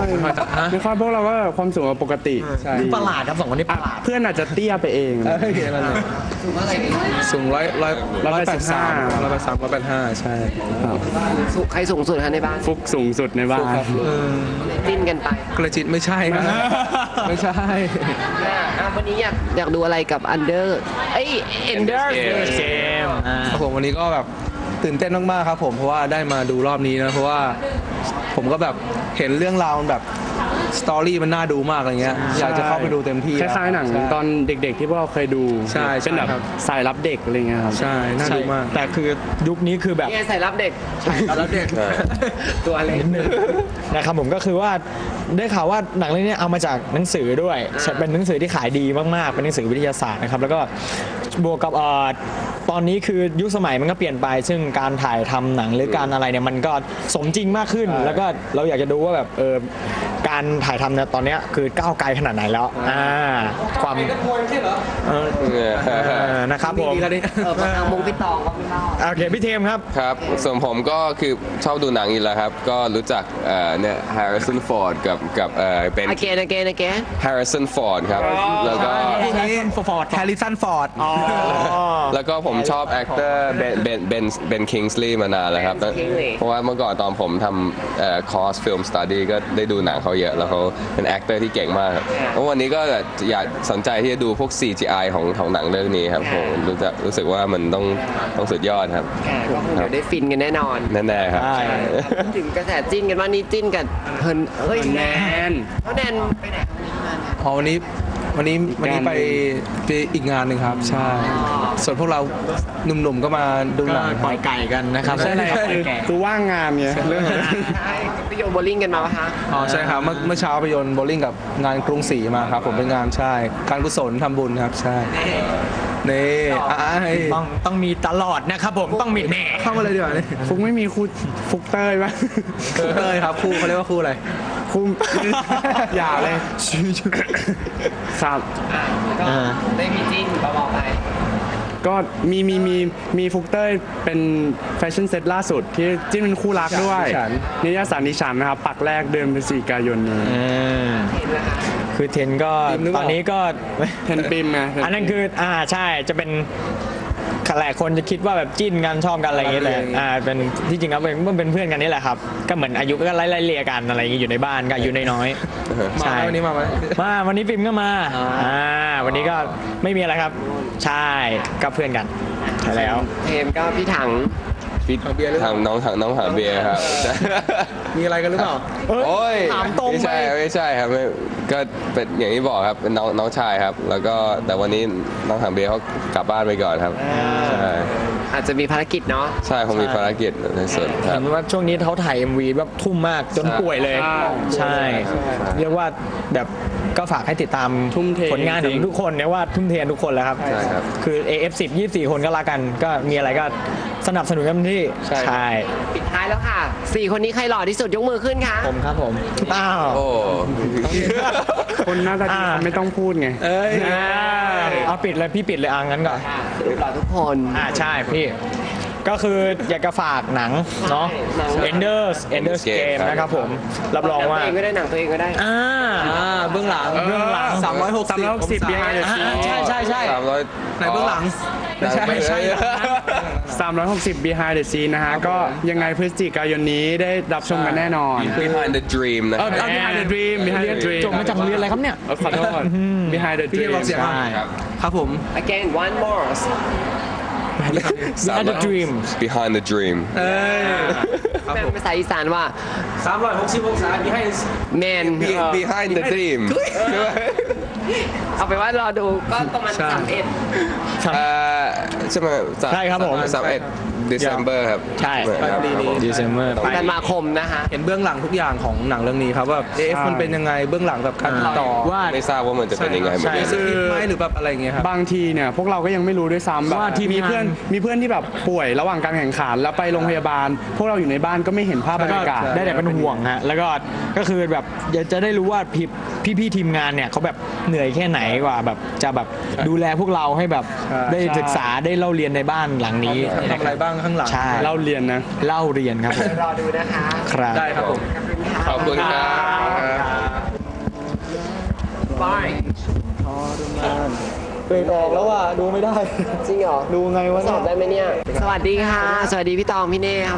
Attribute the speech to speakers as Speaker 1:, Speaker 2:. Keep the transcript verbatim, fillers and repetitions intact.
Speaker 1: ไม่ค่อยพวกเราก็ความสูงปกติ
Speaker 2: ประหลาดครับสองคนนี้ประหลาด
Speaker 1: เพื่อนอาจจะเตี้ยไปเอง
Speaker 3: สูงร้อยร้อยร้อยแปดสามร้อยแปดสามร้อยแปดห้าใช่
Speaker 4: ใครสูงสุดคะในบ้าน
Speaker 1: ฟุกสูงสุดในบ้าน
Speaker 4: จิ้นกันไป
Speaker 3: กระจิตไม่ใช่ครับไม่ใช่
Speaker 4: วันนี้อยากอยากดูอะไรกับอันเดอร์เอ้ยเอนเดอร์
Speaker 2: เกม
Speaker 3: ครับผมวันนี้ก็แบบตื่นเต้นมากๆครับผมเพราะว่าได้มาดูรอบนี้นะเพราะว่าผมก็แบบเห็นเรื่องราวแบบสตอรี่มันน่าดูมากอะไรเงี้ยอยากจะเข้าไปดูเต็มที่
Speaker 1: คล้ายๆหนังตอนเด็กๆที่พวกเราเคยดู
Speaker 3: ใช่
Speaker 1: เป็นแบบสายรับเด็กอะไรเงี้ยครับ
Speaker 3: ใช่น่าดูมาก
Speaker 2: แต่คือยุคนี้คือแบบ
Speaker 4: นี่สายรับเด็ก
Speaker 2: ใช่รับเด็ก
Speaker 4: ตัวอะไรนิดนึง
Speaker 2: นะครับผมก็คือว่าได้ข่าวว่าหนังเรื่องนี้เอามาจากหนังสือด้วยเป็นหนังสือที่ขายดีมากๆเป็นหนังสือวิทยาศาสตร์นะครับแล้วก็บวกกับตอนนี้คือยุคสมัยมันก็เปลี่ยนไปซึ่งการถ่ายทำหนังหรือการอะไรเนี่ยมันก็สมจริงมากขึ้นแล้วก็เราอยากจะดูว่าแบบเออการถ่ายทำเนี่ยตอนนี้คือก้าวไกลขนาดไหนแล้วอ่าความนะครับผม
Speaker 4: เออทางมงพี่ตองก็ไม่เล่า
Speaker 2: โอเคพี่เทมครับ
Speaker 5: ครับส่วนผมก็คือชอบดูหนังอยู่แล้วครับก็รู้จักเอ่อเนี่ย Harrison Ford กับกับเอ่อเป็น
Speaker 4: again again again
Speaker 5: Harrison Ford ครับแล้วก็
Speaker 2: Ford
Speaker 3: Harrison Ford
Speaker 5: แล้วก็ผมชอบ actor Ben Ben Ben Ben Kingsley มานานแล้วครับเพราะว่าเมื่อก่อนตอนผมทำเอ่อ course film study ก็ได้ดูหนังเขาเยอะแล้วเขาเป็น actor ที่เก่งมากแล้ววันนี้ก็อยากสนใจที่จะดูพวก ซี จี ไอ ของของหนังเรื่องนี้ครับผมรู้จักรู้สึกว่ามันต้องต้องสุดยอดครับ
Speaker 4: ก็คงเดี๋ยวได้ฟินกันแน่นอน
Speaker 5: แน่ๆครับ
Speaker 4: ถึงกระแสจิ้นกันว่านี่จิ้นกันเฮิร์นเฮ้ย
Speaker 1: แนน
Speaker 4: เขาแนนไปไหน
Speaker 3: อ๋อวันนี้วันนี้วันนี้ไปไปอีกงานหนึ่งครับใช่ส่วนพวกเราหนุ่มๆก็มาดูหนัง
Speaker 2: ปล่อยไก่กันนะครับ
Speaker 1: ใช่เลยคือว่างงานเนี่ยเรื่อง
Speaker 4: ใช่ไปโยนโบลิ่งกันมาปะคะ
Speaker 3: อ๋อใช่ครับเมื่อเมื่อเช้าไปโยนโบลิ่งกับงานกรุงศรีมาครับผมเป็นงานใช่การกุศลทำบุญครับใช่นี่
Speaker 2: ต้องต้องมีตลอดนะครับผมต้องมีแน่
Speaker 3: เข้ามาเลยดีกว่านี่
Speaker 1: ฟุกไม่มีคู่ฟุกเต้ยป่ะ
Speaker 3: เต้ยครับคู่เขาเรียกว่าคู่อะไร
Speaker 1: คู่อย่าเลยครับ
Speaker 4: ได้มีจิ้นบอกไป
Speaker 1: ก็มีมีมีมีฟุกเต้ยเป็นแฟชั่นเซ็ตล่าสุดที่จิ้นเป็นคู่รักด้วยนิตยสารดิฉันนะครับปักแรกเดือนพฤศจิกายนนี้
Speaker 2: คือเทนก็ตอนนี้ก็
Speaker 1: เทนปิมไง
Speaker 2: อันนั้นคืออ่าใช่จะเป็นหลายคนจะคิดว่าแบบจิ้นกันชอบกันอะไรอย่างเงี้ยแต่อ่าเป็นที่จริงแล้วเป็นเป็นเพื่อนกันนี่แหละครับก็เหมือนอายุก็ไล่ๆเลี่ยกันอะไรอย่างเงี้ยอยู่ในบ้านก็อายุน้อย
Speaker 3: ๆใช่วันนี้มาไหม
Speaker 2: มาวันนี้ปิมก็มาอ่าวันนี้ก็ไม่มีอะไรครับใช่ก็เพื่อนกันใช่แล้ว
Speaker 4: เทมก็พี่ถัง
Speaker 5: พี่ทางน้องทางน้องหาเบียร์ครับ
Speaker 3: มีอะไรกันหรือเปล่า
Speaker 5: โอ้ย
Speaker 2: ถามตรง
Speaker 5: ไม่ใช่ไม่ใช่ครับก็เป็นอย่างที่บอกครับเป็นน้องน้องชายครับแล้วก็แต่วันนี้น้องหาเบียร์เขากลับบ้านไปก่อนครับใช่
Speaker 4: อาจจะมีภารกิจเนาะ
Speaker 5: ใช่คงมีภารกิจในส่วนครับ
Speaker 2: เห็นว่าช่วงนี้เขาถ่าย เอ็ม วี แบบทุ่มมากจนป่วยเลยใช่เรียกว่าแบบก็ฝากให้ติดตามผลงานของทุกคนเนี่ยว่าทุ่มเททุกคนแล้วครับคือ เอ เอฟ สิบ ยี่สิบสี่ คนก็รักกันก็มีอะไรก็สนับสนุนกันที่ใช่
Speaker 4: ปิดท้ายแล้วค่ะสี่คนนี้ใครหล่อที่สุดยกมือขึ้นค่ะ
Speaker 2: ผมครับผมอ้าว
Speaker 5: โอ้
Speaker 1: คนหน้าตาดีไม่ต้องพูดไง
Speaker 2: เอ้ยเอาปิดเลยพี่ปิดเลยอ่ะงั้นก่อน
Speaker 4: หล่อทุกคน
Speaker 2: อ่าใช่พี่ก็คืออยากจะฝากหนังเนาะ Enders Enders Game นะครับผมรับรองว่า
Speaker 4: ตัวเองก็ได้หนังตัวเองก็ได้
Speaker 2: อ่าเบื้องหลัง
Speaker 1: เบื้องหลัง
Speaker 3: สามร้อยหกสิบ
Speaker 1: behind the scene
Speaker 2: ใช่ใช่ใช่
Speaker 5: สามร้อย
Speaker 3: ในเบื้องหลัง
Speaker 2: ไม่ใช่ไม่ใช่
Speaker 1: สามร้อยหกสิบ behind the scene นะฮะก็ยังไงพฤศจิกายนนี้ได้รับชมกันแน่นอน
Speaker 5: behind the dream นะ
Speaker 1: behind the dream behind the dream
Speaker 2: จบมาจากโรงเรียนอะไรครับเนี่ย
Speaker 1: ขอโทษ behind the dream
Speaker 3: ใช่ครับผม
Speaker 4: again one more
Speaker 2: behind the dream
Speaker 5: behind the dream
Speaker 4: เออเป็นภาษาอีสานว่า
Speaker 3: สามร้อยหกสิบองศา behind
Speaker 4: man
Speaker 5: behind the dream
Speaker 4: เอาไปว่ารอดูก็ประมาณสามเอ็ด
Speaker 5: ใช่ไหม
Speaker 2: ใช่ครับผม
Speaker 5: สามเอ็ด December ครับ
Speaker 2: ใช่ December
Speaker 4: ธันวาคมนะคะ
Speaker 3: เห็นเบื้องหลังทุกอย่างของหนังเรื่องนี้ครับว่าเอฟมันเป็นยังไงเบื้องหลังแบบการต่อ
Speaker 5: ว่าไม่ทราบว่ามันจะเป็นยังไง
Speaker 3: ใช่ไหมหรือแบบอะไรเงี้ยครับ
Speaker 1: บางทีเนี่ยพวกเราก็ยังไม่รู้ด้วยซ้ำแบบมีเพื่อนมีเพื่อนที่แบบป่วยระหว่างการแข่งขันแล้วไปโรงพยาบาลพวกเราอยู่ในบ้านก็ไม่เห็นภาพบรรยากาศ
Speaker 2: ได้แต่เป็นห่วงฮะแล้วก็ก็คือแบบอยากจะได้รู้ว่าพี่พี่ทีมงานเนี่ยเขาแบบเหนื่อยแค่ไหนกว่าแบบจะแบบดูแลพวกเราให้แบบได้ศึกษาได้เล่าเรียนในบ้านหลังนี้
Speaker 3: ทำอะไรบ้างข้างหลัง
Speaker 1: เล่าเรียนนะ
Speaker 2: เล่าเรียนครับ
Speaker 4: รอดูนะคะ
Speaker 2: ครับ
Speaker 5: ได้ครับผมขอบคุณครับ
Speaker 4: Bye
Speaker 2: เกรดออกแล้วอ่ะดูไม่ได้
Speaker 4: จริงเหรอ
Speaker 2: ดูไงวะ
Speaker 4: ส
Speaker 2: เนี่
Speaker 4: อบได้
Speaker 2: ย
Speaker 4: ไหมเนี่ย สวัสดีค่ะ สวัสดีพี่ตองพี่เน่ครับ